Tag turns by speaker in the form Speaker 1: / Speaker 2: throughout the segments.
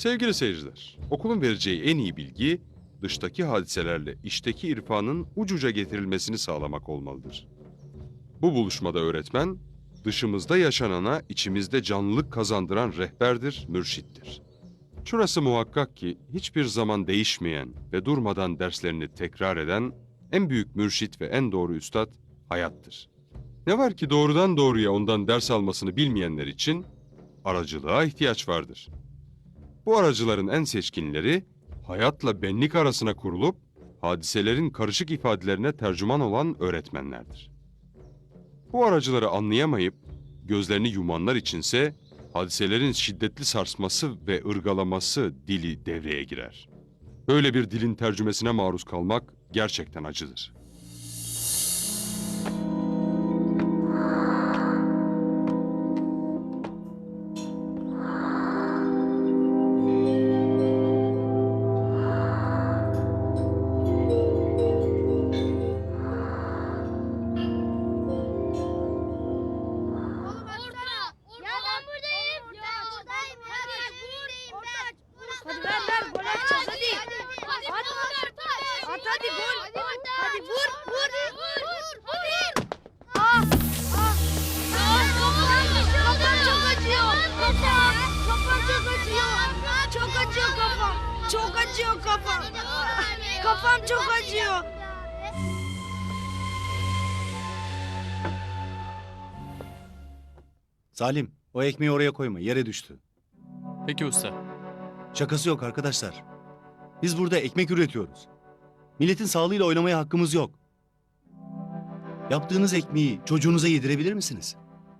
Speaker 1: Sevgili seyirciler, okulun vereceği en iyi bilgi, dıştaki hadiselerle içteki irfanın ucuca getirilmesini sağlamak olmalıdır. Bu buluşmada öğretmen, dışımızda yaşanana içimizde canlılık kazandıran rehberdir, mürşittir. Şurası muhakkak ki hiçbir zaman değişmeyen ve durmadan derslerini tekrar eden en büyük mürşit ve en doğru üstad hayattır. Ne var ki doğrudan doğruya ondan ders almasını bilmeyenler için aracılığa ihtiyaç vardır. Bu aracıların en seçkinleri hayatla benlik arasına kurulup hadiselerin karışık ifadelerine tercüman olan öğretmenlerdir. Bu aracıları anlayamayıp gözlerini yumanlar içinse hadiselerin şiddetli sarsması ve ırgalaması dili devreye girer. Böyle bir dilin tercümesine maruz kalmak gerçekten acıdır.
Speaker 2: Ya ben buradayım. Buradayım.
Speaker 3: Hadi ver gol atacağız hadi. At hadi gol. Hadi vur. Ah. Kafam çok acıyor. Kafam çok acıyor. Çok acıyor kafam. Çok acıyor kafam. Kafam çok acıyor.
Speaker 4: Salim, o ekmeği oraya koyma, yere düştü.
Speaker 5: Peki usta.
Speaker 4: Şakası yok arkadaşlar. Biz burada ekmek üretiyoruz. Milletin sağlığıyla oynamaya hakkımız yok. Yaptığınız ekmeği çocuğunuza yedirebilir misiniz?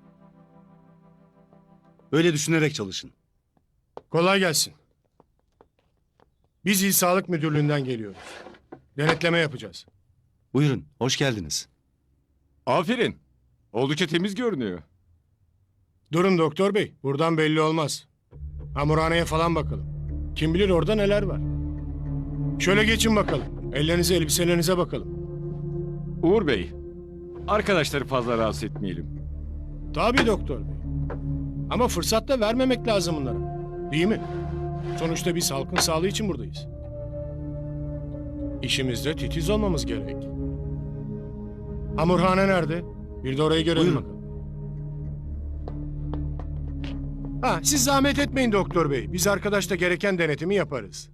Speaker 4: Öyle düşünerek çalışın.
Speaker 6: Kolay gelsin. Biz İl Sağlık Müdürlüğü'nden geliyoruz. Denetleme yapacağız.
Speaker 4: Buyurun, hoş geldiniz.
Speaker 7: Aferin. Oldukça temiz görünüyor.
Speaker 6: Durun doktor bey, buradan belli olmaz. Hamurhaneye falan bakalım. Kim bilir orada neler var. Şöyle geçin bakalım. Ellerinize, elbiselerinize bakalım.
Speaker 7: Uğur Bey, arkadaşları fazla rahatsız etmeyelim.
Speaker 6: Tabii doktor bey. Ama fırsat da vermemek lazım bunlara. Değil mi? Sonuçta biz halkın sağlığı için buradayız. İşimizde titiz olmamız gerek. Hamurhane nerede? Bir de orayı görelim
Speaker 4: Buyurun.
Speaker 6: bakalım. Ha, siz zahmet etmeyin doktor bey. Biz arkadaşla gereken denetimi yaparız.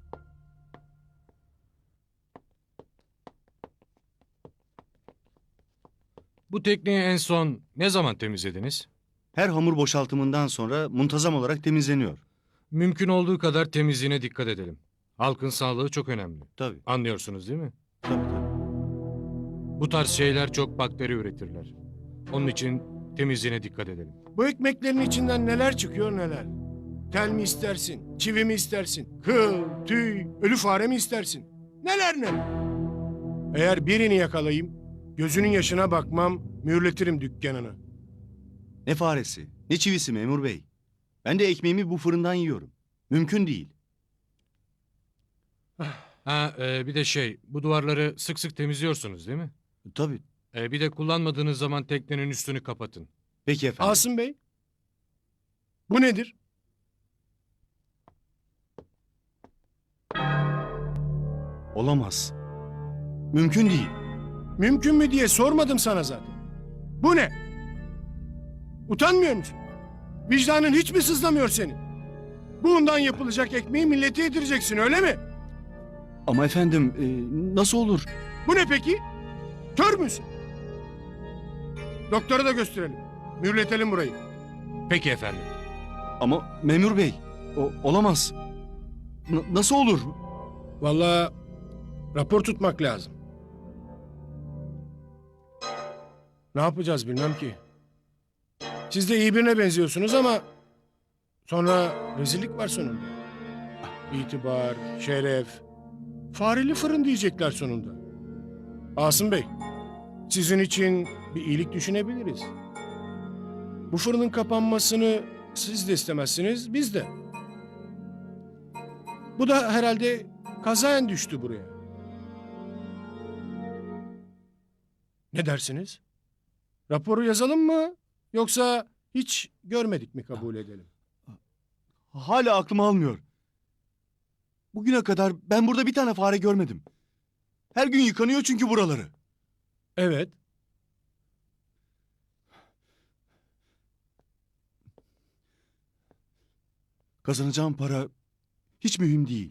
Speaker 8: Bu tekneyi en son ne zaman temizlediniz?
Speaker 4: Her hamur boşaltımından sonra muntazam olarak temizleniyor.
Speaker 8: Mümkün olduğu kadar temizliğine dikkat edelim. Halkın sağlığı çok önemli.
Speaker 4: Tabii,
Speaker 8: Anlıyorsunuz değil mi?
Speaker 4: tabii.
Speaker 8: Bu tarz şeyler çok bakteri üretirler. Onun için temizliğine dikkat edelim.
Speaker 6: Bu ekmeklerin içinden neler çıkıyor neler. Tel mi istersin, çivi mi istersin, kıl, tüy, ölü fare mi istersin? Neler neler. Eğer birini yakalayayım, gözünün yaşına bakmam, mühürletirim dükkanını.
Speaker 4: Ne faresi, ne çivisi memur bey. Ben de ekmeğimi bu fırından yiyorum. Mümkün değil.
Speaker 8: Bir de bu duvarları sık sık temizliyorsunuz değil mi?
Speaker 4: Tabii.
Speaker 8: Bir de kullanmadığınız zaman teknenin üstünü kapatın.
Speaker 4: Peki efendim.
Speaker 6: Asım Bey, bu nedir?
Speaker 4: Olamaz. Mümkün değil.
Speaker 6: Mümkün mü diye sormadım sana zaten. Bu ne? Utanmıyor musun? Vicdanın hiç mi sızlamıyor senin? Bundan yapılacak ekmeği millete yedireceksin öyle mi?
Speaker 4: Ama efendim, nasıl olur?
Speaker 6: Bu ne peki? Kör müsün? Doktora da gösterelim. Mühürletelim burayı.
Speaker 8: Peki efendim.
Speaker 4: Ama memur bey, olamaz. Nasıl olur?
Speaker 6: Vallahi rapor tutmak lazım. Ne yapacağız bilmem ki. Siz de iyi birine benziyorsunuz ama sonra rezillik var sonunda. İtibar, şeref, fareli fırın diyecekler sonunda. Asım Bey, sizin için bir iyilik düşünebiliriz. Bu fırının kapanmasını siz de istemezsiniz, biz de. Bu da herhalde kazayen düştü buraya. Ne dersiniz? Raporu yazalım mı? Yoksa hiç görmedik mi kabul edelim?
Speaker 4: Hala aklım almıyor. Bugüne kadar ben burada bir tane fare görmedim. Her gün yıkanıyor çünkü buraları.
Speaker 6: Evet.
Speaker 4: Kazanacağım para hiç mühim değil.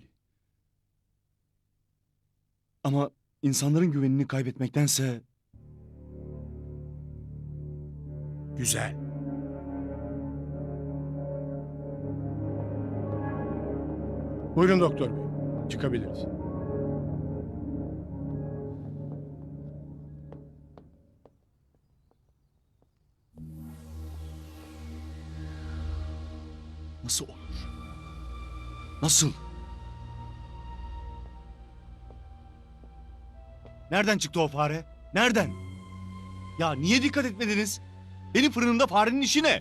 Speaker 4: Ama insanların güvenini kaybetmektense
Speaker 6: Güzel. Buyurun doktor bey. Çıkabiliriz.
Speaker 4: nasıl olur? Nasıl? Nereden çıktı o fare? Nereden? Ya niye dikkat etmediniz? Benim fırınımda farenin işi ne?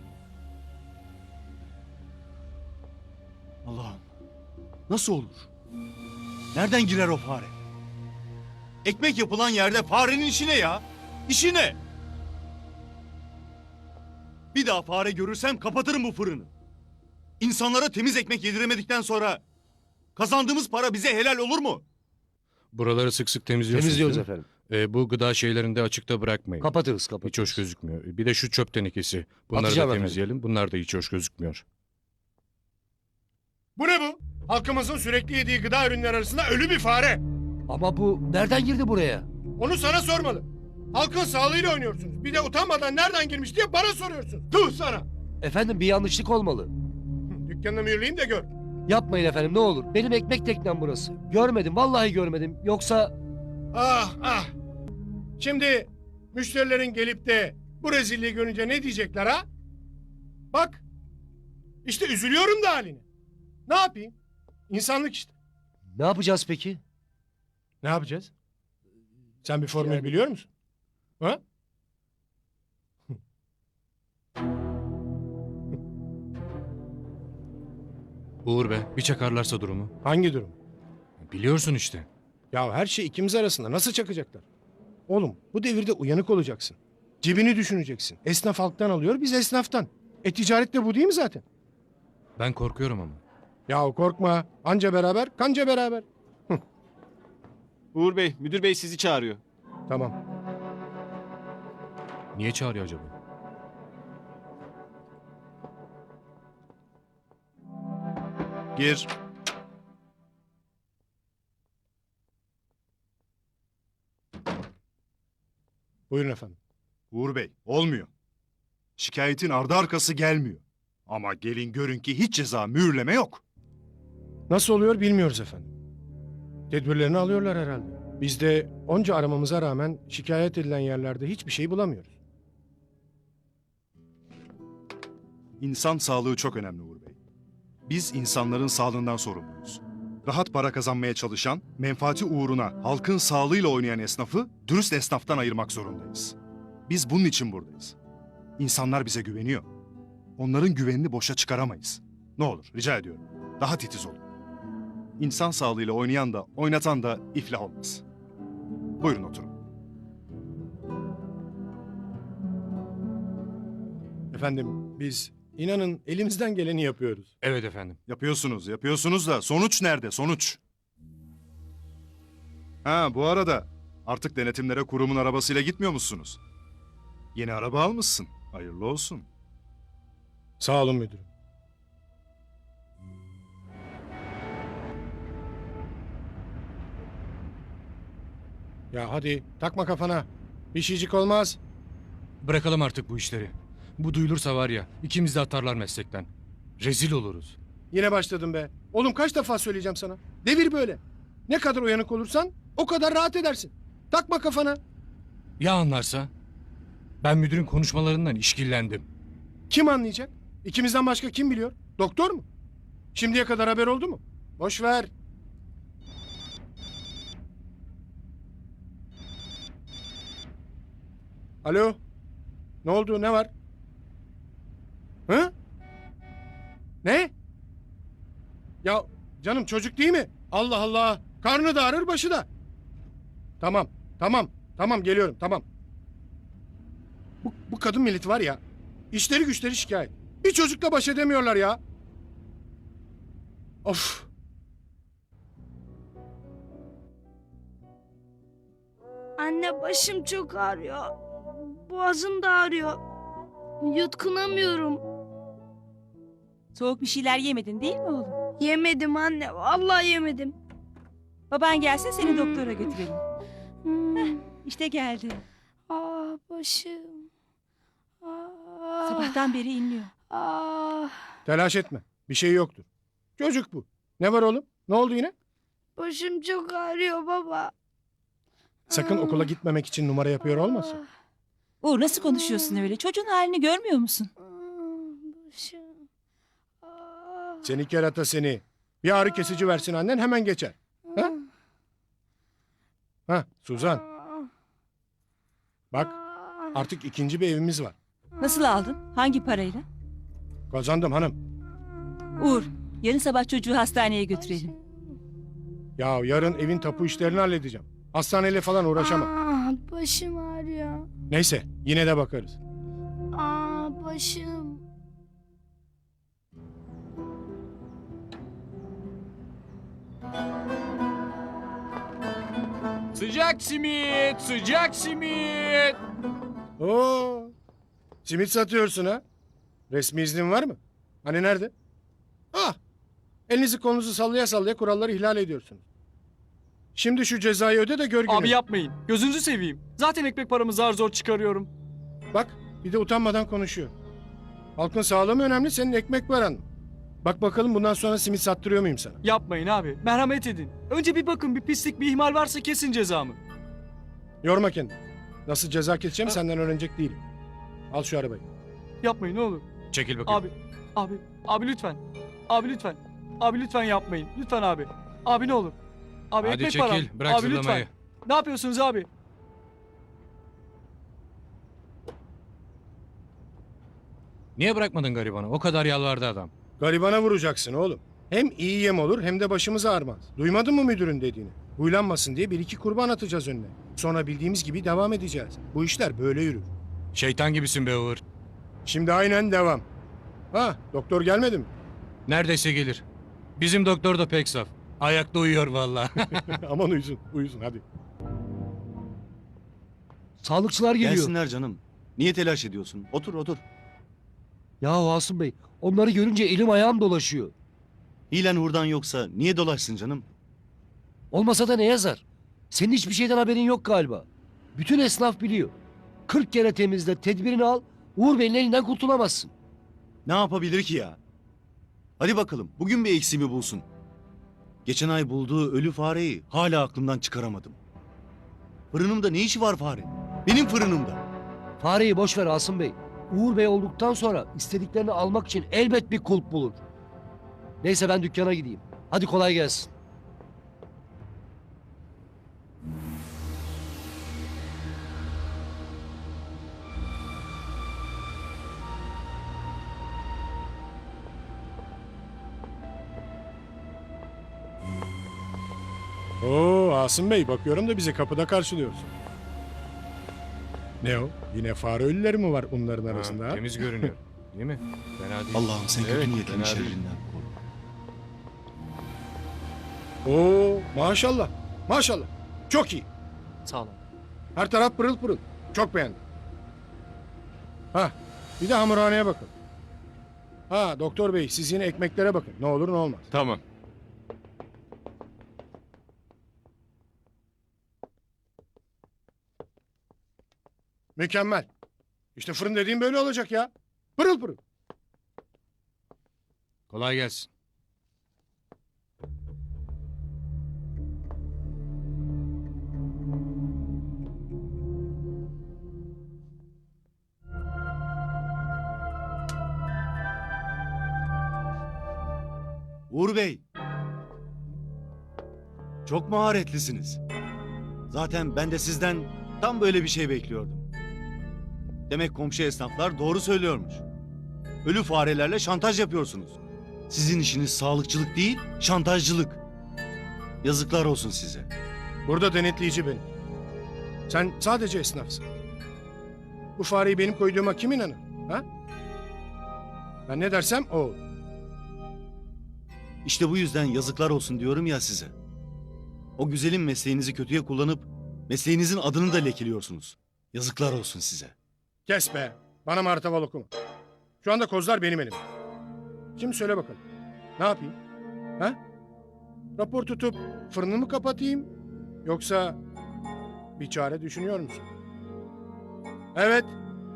Speaker 4: Allah'ım. Nasıl olur? Nereden girer o fare? Ekmek yapılan yerde farenin işi ne ya? İşi ne? Bir daha fare görürsem kapatırım bu fırını. İnsanlara temiz ekmek yediremedikten sonra kazandığımız para bize helal olur mu?
Speaker 8: Buraları sık sık temizliyorsunuz
Speaker 5: Temizliyoruz
Speaker 8: değil mi?
Speaker 5: efendim.
Speaker 8: Bu gıda şeylerini de açıkta bırakmayın.
Speaker 5: Kapatırız
Speaker 8: Hiç
Speaker 5: kapatırız.
Speaker 8: hoş gözükmüyor. Bir de şu çöp tenekesi. Bunları
Speaker 5: Atacağım
Speaker 8: da
Speaker 5: efendim.
Speaker 8: temizleyelim. Bunlar da hiç hoş gözükmüyor.
Speaker 6: Bu ne bu? Halkımızın sürekli yediği gıda ürünleri arasında ölü bir fare.
Speaker 5: Ama bu nereden girdi buraya?
Speaker 6: Onu sana sormalı. Halkın sağlığıyla oynuyorsunuz. Bir de utanmadan nereden girmiş diye bana soruyorsun. Tüh sana.
Speaker 5: Efendim bir yanlışlık olmalı.
Speaker 6: Dükkanını mühürleyeyim de gör.
Speaker 5: Yapmayın efendim ne olur. Benim ekmek teknem burası. Görmedim vallahi görmedim. Yoksa
Speaker 6: Ah ah. Şimdi müşterilerin gelip de bu rezilliği görünce ne diyecekler ha? Bak. İşte üzülüyorum da haline. Ne yapayım? İnsanlık işte.
Speaker 5: ne yapacağız peki?
Speaker 6: Ne yapacağız? Sen bir formül biliyor musun? Ha?
Speaker 8: Uğur be, bir çakarlarsa durumu.
Speaker 6: Hangi durum?
Speaker 8: Biliyorsun işte.
Speaker 6: Ya her şey ikimiz arasında. Nasıl çakacaklar? Oğlum bu devirde uyanık olacaksın. Cebini düşüneceksin. Esnaf halktan alıyor, biz esnaftan. Ticaret de bu değil mi zaten?
Speaker 8: Ben korkuyorum ama.
Speaker 6: Ya korkma. Anca beraber, kanca beraber.
Speaker 9: Uğur Bey, müdür bey sizi çağırıyor.
Speaker 6: Tamam.
Speaker 8: Niye çağırıyor acaba?
Speaker 4: Gir.
Speaker 6: Buyurun efendim.
Speaker 10: Uğur Bey, olmuyor. Şikayetin ardı arkası gelmiyor. Ama gelin görün ki hiç ceza mühürleme yok.
Speaker 6: Nasıl oluyor bilmiyoruz efendim. Tedbirlerini alıyorlar herhalde. Biz de onca aramamıza rağmen şikayet edilen yerlerde hiçbir şey bulamıyoruz.
Speaker 10: İnsan sağlığı çok önemli Uğur Bey. Biz insanların sağlığından sorumluyuz. Rahat para kazanmaya çalışan, menfaati uğruna halkın sağlığıyla oynayan esnafı dürüst esnaftan ayırmak zorundayız. Biz bunun için buradayız. İnsanlar bize güveniyor. Onların güvenini boşa çıkaramayız. Ne olur rica ediyorum. Daha titiz olun. İnsan sağlığıyla oynayan da oynatan da iflah olmaz. Buyurun oturun.
Speaker 6: Efendim biz inanın elimizden geleni yapıyoruz.
Speaker 8: Evet efendim.
Speaker 10: Yapıyorsunuz da sonuç nerede? Sonuç. Ha bu arada artık denetimlere kurumun arabasıyla gitmiyor musunuz? Yeni araba almışsın. Hayırlı olsun.
Speaker 6: Sağ olun müdürüm. Ya hadi takma kafana. Bir şeycik olmaz.
Speaker 8: Bırakalım artık bu işleri. Bu duyulursa var ya, ikimiz de atarlar meslekten. Rezil oluruz.
Speaker 6: Yine başladım be. Oğlum kaç defa söyleyeceğim sana. Devir böyle. Ne kadar uyanık olursan o kadar rahat edersin. Takma kafana.
Speaker 8: Ya anlarsa? Ben müdürün konuşmalarından işkillendim.
Speaker 6: Kim anlayacak? İkimizden başka kim biliyor? Doktor mu? Şimdiye kadar haber oldu mu? Boş ver. Alo? Ne oldu? Ne var? Hı? Ne? Ya canım çocuk değil mi? Allah Allah. Karnı da ağrır başı da. Tamam. Tamam geliyorum tamam. Bu kadın milleti var ya. İşleri güçleri şikayet. Bir çocukla baş edemiyorlar ya. Of.
Speaker 3: Başım çok ağrıyor. Boğazım da ağrıyor. Yutkunamıyorum.
Speaker 9: Soğuk bir şeyler yemedin değil mi oğlum?
Speaker 3: Yemedim anne. Vallahi yemedim.
Speaker 9: Baban gelsin seni doktora götürelim.
Speaker 3: Hmm.
Speaker 9: İşte geldi.
Speaker 3: Başım. Ah.
Speaker 9: Sabahtan beri inliyor.
Speaker 3: Ah.
Speaker 6: Telaş etme. Bir şey yoktur. Çocuk bu. Ne var oğlum? Ne oldu yine?
Speaker 3: Başım çok ağrıyor baba.
Speaker 6: Sakın okula gitmemek için numara yapıyor olmasın.
Speaker 9: Uğur nasıl konuşuyorsun öyle? Çocuğun halini görmüyor musun?
Speaker 3: Başım. Ah.
Speaker 6: Seni kerata seni. Bir ağrı kesici versin annen hemen geçer. Ha? Ha Suzan. Bak artık ikinci bir evimiz var.
Speaker 9: Nasıl aldın? Hangi parayla?
Speaker 6: Kazandım hanım.
Speaker 9: Uğur, yarın sabah çocuğu hastaneye götürelim.
Speaker 6: Ya yarın evin tapu işlerini halledeceğim. Hastaneyle falan uğraşamam.
Speaker 3: Başım ağrıyor.
Speaker 6: Neyse yine de bakarız.
Speaker 3: Başım.
Speaker 7: Sıcak simit, sıcak simit.
Speaker 6: Oo. Simit satıyorsun ha? Resmi iznin var mı? Hani nerede? Ah. Elinizi kolunuzu sallaya sallaya kuralları ihlal ediyorsunuz. Şimdi şu cezayı öde de gör gününü.
Speaker 11: Abi yapmayın. Gözünüzü seveyim. Zaten ekmek paramı zar zor çıkarıyorum.
Speaker 6: Bak bir de utanmadan konuşuyor. Halkın sağlığı mı önemli senin ekmek paran mı? Bak bakalım bundan sonra simit sattırıyor muyum sana?
Speaker 11: Yapmayın abi. Merhamet edin. Önce bir bakın, bir pislik, bir ihmal varsa kesin cezamı.
Speaker 6: Yorma kendini. Nasıl ceza keseceğim senden öğrenecek değilim. Al şu arabayı.
Speaker 11: Yapmayın ne olur.
Speaker 8: Çekil bakayım.
Speaker 11: Abi lütfen. Abi lütfen. Abi lütfen yapmayın. Lütfen abi. Abi ne olur. Abi
Speaker 8: Hadi
Speaker 11: ekmek
Speaker 8: çekil,
Speaker 11: param.
Speaker 8: bırak
Speaker 11: Abi
Speaker 8: zırlamayı.
Speaker 11: lütfen. Ne yapıyorsunuz abi?
Speaker 8: Niye bırakmadın garibanı? O kadar yalvardı adam.
Speaker 6: Garibana vuracaksın oğlum. Hem iyi yem olur hem de başımız ağrımaz. Duymadın mı müdürün dediğini? Huylanmasın diye bir iki kurban atacağız önüne. Sonra bildiğimiz gibi devam edeceğiz. Bu işler böyle yürür.
Speaker 8: Şeytan gibisin be Uğur.
Speaker 6: Şimdi aynen devam. Ha doktor gelmedi mi?
Speaker 8: Neredeyse gelir. Bizim doktor da pek saf. Ayakta uyuyor vallahi.
Speaker 6: Aman uyusun uyusun hadi.
Speaker 5: Sağlıkçılar geliyor.
Speaker 4: Gelsinler canım. Niye telaş ediyorsun? Otur otur.
Speaker 5: Ya Asım Bey, onları görünce elim ayağım dolaşıyor.
Speaker 4: Hilen hurdan yoksa niye dolaşsın canım?
Speaker 5: Olmasa da ne yazar? Senin hiçbir şeyden haberin yok galiba. Bütün esnaf biliyor. 40 kere temizle, tedbirini al, Uğur Bey'in elinden kurtulamazsın.
Speaker 4: Ne yapabilir ki ya? Hadi bakalım bugün bir eksiğimi bulsun. Geçen ay bulduğu ölü fareyi hala aklımdan çıkaramadım. Fırınımda ne işi var fare? Benim fırınımda.
Speaker 5: Fareyi boş ver Asım Bey. Uğur Bey olduktan sonra istediklerini almak için elbet bir kulp bulur. Neyse ben dükkana gideyim. Hadi kolay gelsin.
Speaker 6: Oo Asım Bey bakıyorum da bizi kapıda karşılıyorsun. Ne o? Yine fare ölüleri mi var onların arasında?
Speaker 8: Ha,
Speaker 6: ha?
Speaker 8: temiz görünüyor. Değil mi? Fena değil.
Speaker 4: Allah'ım sen
Speaker 8: Evet,
Speaker 4: kötü niyetlinin
Speaker 8: fena değil.
Speaker 4: şerrinden koru.
Speaker 6: Oo maşallah. Maşallah. Çok iyi.
Speaker 11: Sağ olun.
Speaker 6: Her taraf pırıl pırıl. Çok beğendim. Ha bir de hamurhaneye bakın. Ha doktor bey siz yine ekmeklere bakın. Ne olur ne olmaz.
Speaker 7: Tamam.
Speaker 6: Mükemmel. İşte fırın dediğim böyle olacak ya. Pırıl pırıl.
Speaker 8: Kolay gelsin.
Speaker 4: Uğur Bey. Çok maharetlisiniz. Zaten ben de sizden tam böyle bir şey bekliyordum. Demek komşu esnaflar doğru söylüyormuş. Ölü farelerle şantaj yapıyorsunuz. Sizin işiniz sağlıkçılık değil, şantajcılık. Yazıklar olsun size.
Speaker 6: Burada denetleyici benim. Sen sadece esnafsın. Bu fareyi benim koyduğuma kim inanır? Ha? Ben ne dersem o olur.
Speaker 4: İşte bu yüzden yazıklar olsun diyorum ya size. O güzelim mesleğinizi kötüye kullanıp Mesleğinizin adını da lekeliyorsunuz. Yazıklar olsun size.
Speaker 6: Kes be. Bana martaval okuma. Şu anda kozlar benim elimde. Şimdi söyle bakalım. Ne yapayım? Ha? Rapor tutup fırını mı kapatayım? Yoksa bir çare düşünüyor musun? Evet.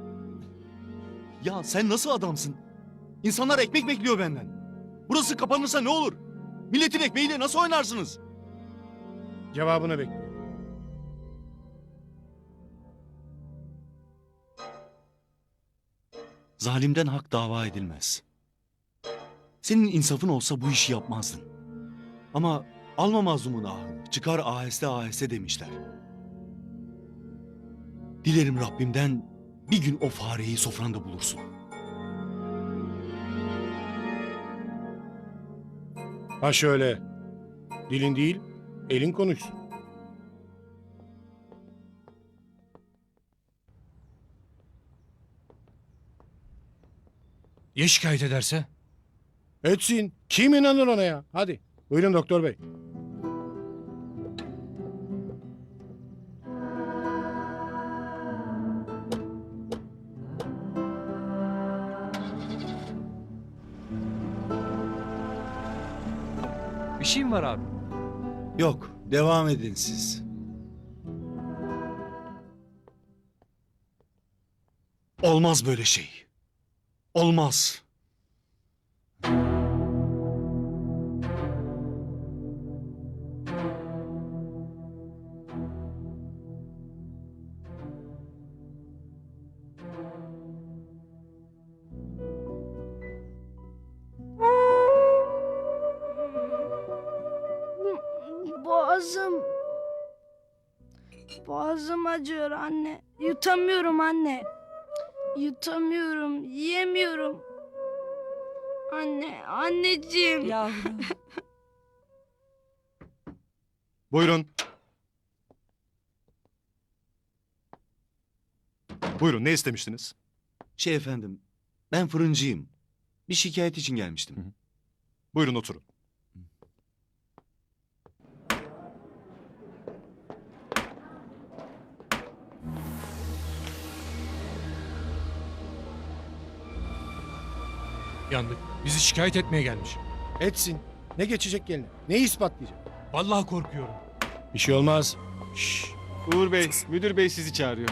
Speaker 4: Ya sen nasıl adamsın? İnsanlar ekmek bekliyor benden. Burası kapanırsa ne olur? Milletin ekmeğiyle nasıl oynarsınız?
Speaker 6: Cevabını bekliyorum.
Speaker 4: Zalimden hak dava edilmez. Senin insafın olsa bu işi yapmazdın. Ama alma mazlumun ahını, çıkar aheste aheste demişler. Dilerim Rabbimden bir gün o fareyi sofranda bulursun.
Speaker 6: Ha şöyle. Dilin değil, elin konuşsun.
Speaker 8: Ya şikayet ederse?
Speaker 6: Etsin. Kim inanır ona ya? Hadi. Buyurun doktor bey.
Speaker 11: Bir şey mi var abi?
Speaker 4: Yok, devam edin siz. Olmaz böyle şey. Olmaz.
Speaker 3: Boğazım. Boğazım acıyor anne. Yutamıyorum anne. Yutamıyorum, yiyemiyorum. Anne, anneciğim.
Speaker 9: Yavrum.
Speaker 10: Buyurun. Buyurun, ne istemiştiniz?
Speaker 4: Efendim, ben fırıncıyım. Bir şikayet için gelmiştim.
Speaker 10: Buyurun oturun.
Speaker 8: Yandık. Bizi şikayet etmeye gelmiş.
Speaker 6: Etsin. Ne geçecek eline? Neyi ispatlayacak?
Speaker 8: Vallahi korkuyorum.
Speaker 6: Bir şey olmaz. Şşş.
Speaker 7: Uğur Bey, müdür bey sizi çağırıyor.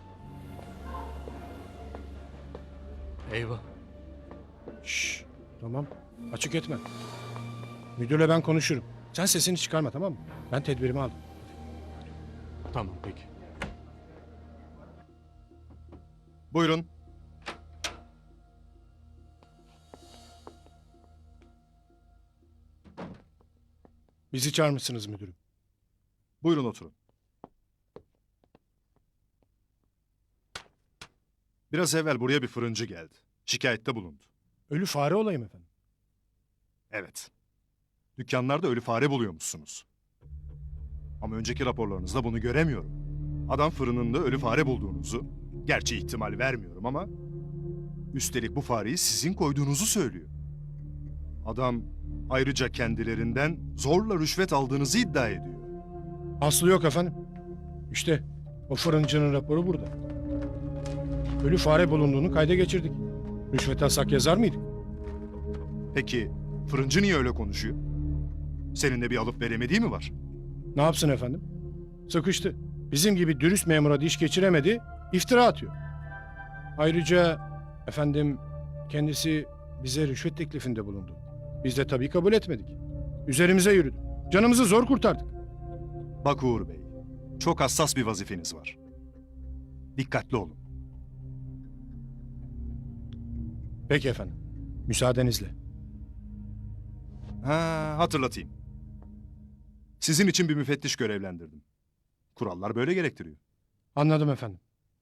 Speaker 8: Eyvah.
Speaker 6: Şşş. Tamam. Açık etme. Müdürle ben konuşurum. Sen sesini çıkarma, tamam mı? Ben tedbirimi aldım.
Speaker 8: Tamam peki.
Speaker 10: Buyurun.
Speaker 6: Bizi çağırmışsınız müdürüm.
Speaker 10: Buyurun oturun. Biraz evvel buraya bir fırıncı geldi. Şikayette bulundu.
Speaker 6: Ölü fare olayım efendim.
Speaker 10: Evet. Dükkanlarda ölü fare buluyormuşsunuz. Ama önceki raporlarınızda bunu göremiyorum. Adam fırınında ölü fare bulduğunuzu, gerçi ihtimal vermiyorum ama... ...üstelik bu fareyi sizin koyduğunuzu söylüyor. Adam ayrıca kendilerinden zorla rüşvet aldığınızı iddia ediyor.
Speaker 6: Aslı yok efendim. İşte o fırıncının raporu burada. Ölü fare bulunduğunu kayda geçirdik. Rüşvet alsak yazar mıydık?
Speaker 10: Peki fırıncı niye öyle konuşuyor? Seninle bir alıp veremediği mi var?
Speaker 6: Ne yapsın efendim? Sıkıştı. Bizim gibi dürüst memura diş geçiremedi, iftira atıyor. Ayrıca efendim kendisi bize rüşvet teklifinde bulundu. Biz de tabii kabul etmedik. Üzerimize yürüdü. Canımızı zor kurtardık.
Speaker 10: Bak Uğur Bey, çok hassas bir vazifeniz var. Dikkatli olun.
Speaker 6: Peki efendim. Müsaadenizle.
Speaker 10: Hatırlatayım. Sizin için bir müfettiş görevlendirdim. Kurallar böyle gerektiriyor.
Speaker 6: Anladım efendim.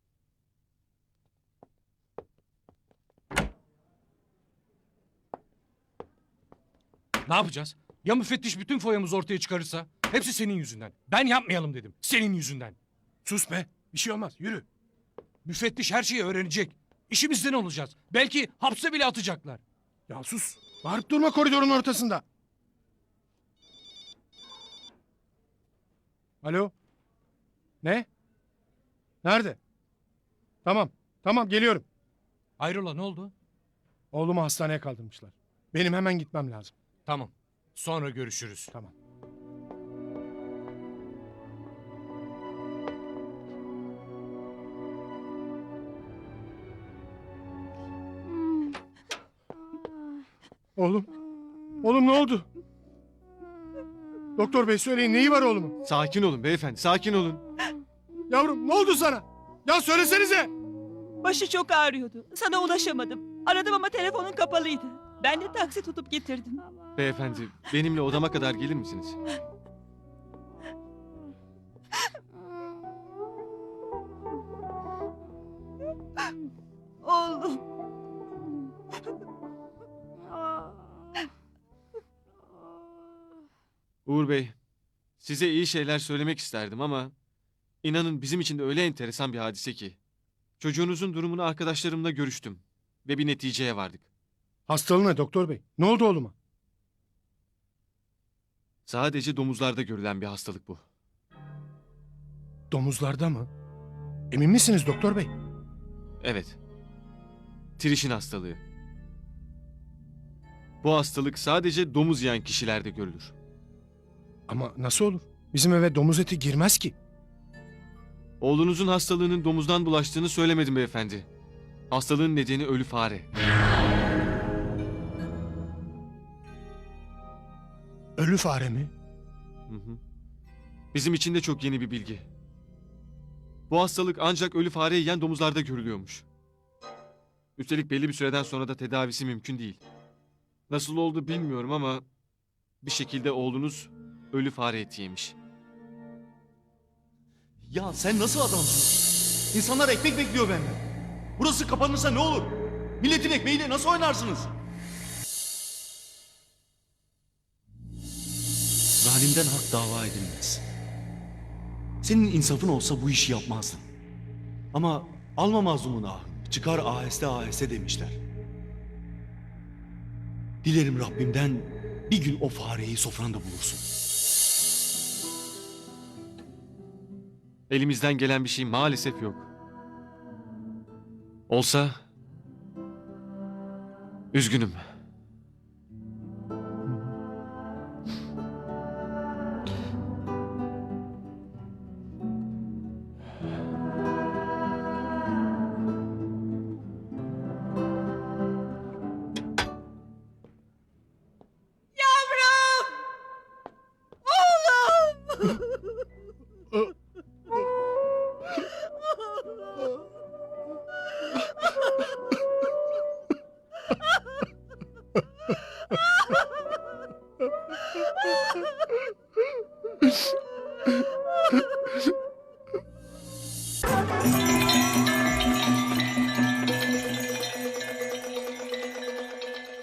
Speaker 8: Ne yapacağız? Ya müfettiş bütün foyamızı ortaya çıkarırsa? Hepsi senin yüzünden. Ben yapmayalım dedim. Senin yüzünden.
Speaker 6: Sus be. Bir şey olmaz. Yürü.
Speaker 8: Müfettiş her şeyi öğrenecek. İşimizden olacağız. Belki hapse bile atacaklar.
Speaker 6: Ya sus. Bağırıp durma koridorun ortasında. Alo. Ne? Nerede? Tamam. Tamam geliyorum.
Speaker 8: Hayrola ne oldu?
Speaker 6: Oğlumu hastaneye kaldırmışlar. Benim hemen gitmem lazım.
Speaker 8: Tamam. Sonra görüşürüz.
Speaker 6: Tamam. Oğlum. Oğlum ne oldu? Doktor bey söyleyin neyi var oğlumun?
Speaker 11: Sakin olun beyefendi, sakin olun.
Speaker 6: Yavrum ne oldu sana? Ya söylesenize.
Speaker 9: Başı çok ağrıyordu. Sana ulaşamadım. Aradım ama telefonun kapalıydı. Ben de taksi tutup getirdim.
Speaker 11: Beyefendi, benimle odama kadar gelir misiniz?
Speaker 9: Oğlum.
Speaker 11: Uğur Bey, size iyi şeyler söylemek isterdim ama inanın bizim için de öyle enteresan bir hadise ki. Çocuğunuzun durumunu arkadaşlarımla görüştüm ve bir neticeye vardık.
Speaker 6: Hastalığı ne doktor bey? Ne oldu oğluma?
Speaker 11: Sadece domuzlarda görülen bir hastalık bu.
Speaker 6: Domuzlarda mı? Emin misiniz doktor bey?
Speaker 11: Evet. Trişin hastalığı. Bu hastalık sadece domuz yiyen kişilerde görülür.
Speaker 6: Ama nasıl olur? Bizim eve domuz eti girmez ki.
Speaker 11: Oğlunuzun hastalığının domuzdan bulaştığını söylemedim beyefendi. Hastalığın nedeni ölü fare.
Speaker 6: Ölü fare mi?
Speaker 11: Hı hı. Bizim için de çok yeni bir bilgi. Bu hastalık ancak ölü fare yiyen domuzlarda görülüyormuş. Üstelik belli bir süreden sonra da tedavisi mümkün değil. Nasıl oldu bilmiyorum ama bir şekilde oğlunuz ölü fare eti yemiş.
Speaker 4: Ya sen nasıl adamsın? İnsanlar ekmek bekliyor benden. Burası kapanırsa ne olur? Milletin ekmeğiyle nasıl oynarsınız? Zalimden hak dava edilmez. Senin insafın olsa bu işi yapmazdın. Ama alma mazlumun ahını, çıkar aheste aheste demişler. Dilerim Rabbimden bir gün o fareyi sofranda bulursun.
Speaker 11: Elimizden gelen bir şey maalesef yok. Olsa üzgünüm.
Speaker 9: Yavrum! Oğlum!